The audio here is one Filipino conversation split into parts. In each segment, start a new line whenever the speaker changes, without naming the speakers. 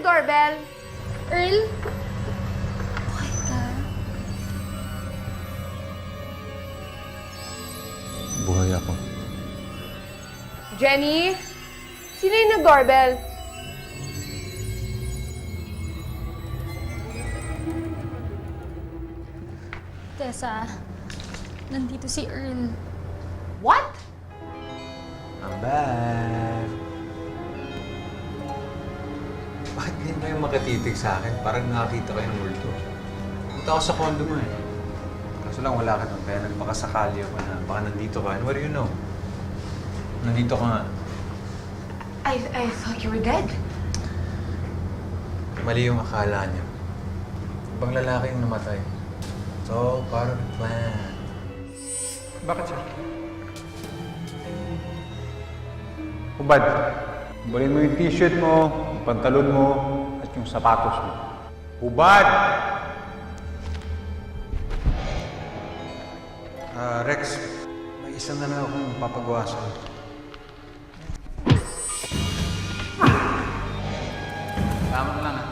doorbell.
Earl? Okay ka?
Buhay ako.
Jenny? Sino yung nag-doorbell?
Tessa, nandito si Earl.
What?
I'm back! Bakit ganyan kayo makatitig sa akin? Parang nakakita kayo ng multo. Punta ako sa condo mo eh. Kaso lang wala ka doon, kaya nagpakasakali ako na baka nandito ka. And what do you know? Nandito ka nga.
I thought you were dead.
Mali yung akala niya. Ibang lalaki yung namatay. It's all part of the plan.
Bakit siya? Hubad, bulin mo yung t-shirt mo, yung pantalon mo, at yung sapatos mo. Hubad!
Rex, may isang na akong papagawa sa'yo.
Tama na lang, ha?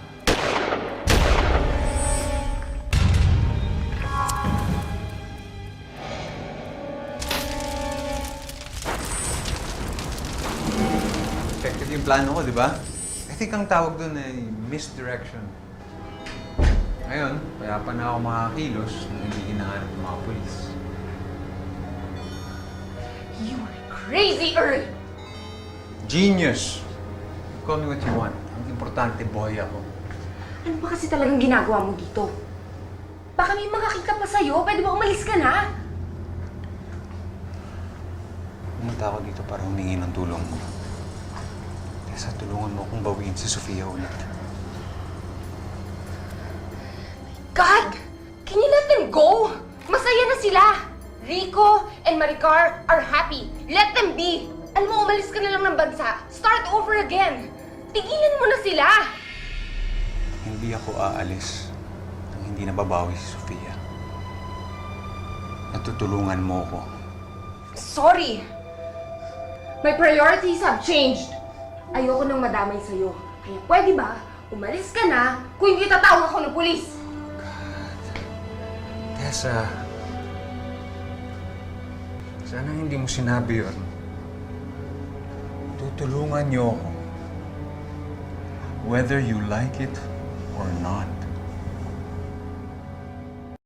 Effective yung plano ko, di ba? I think ang tawag doon ay misdirection. Ngayon, kaya pa na ako makakilos na hindi hinahanap ng mga polis.
You are crazy, Earl!
Genius! Call me what you want. Ang importante, boy ako.
Ano ba kasi talagang ginagawa mo dito? Baka may makakita pa sa'yo. Pwede ba umalis ka na?
Pumunta ako dito para humingi ng tulong mo. Tessa, tulungan mo akong bawiin si Sofia ulit.
God! Can you let them go? Masaya na sila! Rico and Maricar are happy. Let them be! Alam mo, umalis ka na lang ng bansa. Start over again. Tigilan mo na sila!
Hindi ako aalis nang hindi nababawi si Sofia. Natutulungan mo ako.
Sorry! My priorities have changed. Ayoko nang madamay sa'yo. Kaya pwede ba, umalis ka na kung hindi tatawag ako ng pulis?
Tessa, sana hindi mo sinabi yun. Tutulungan niyo ako. Whether you like it or not.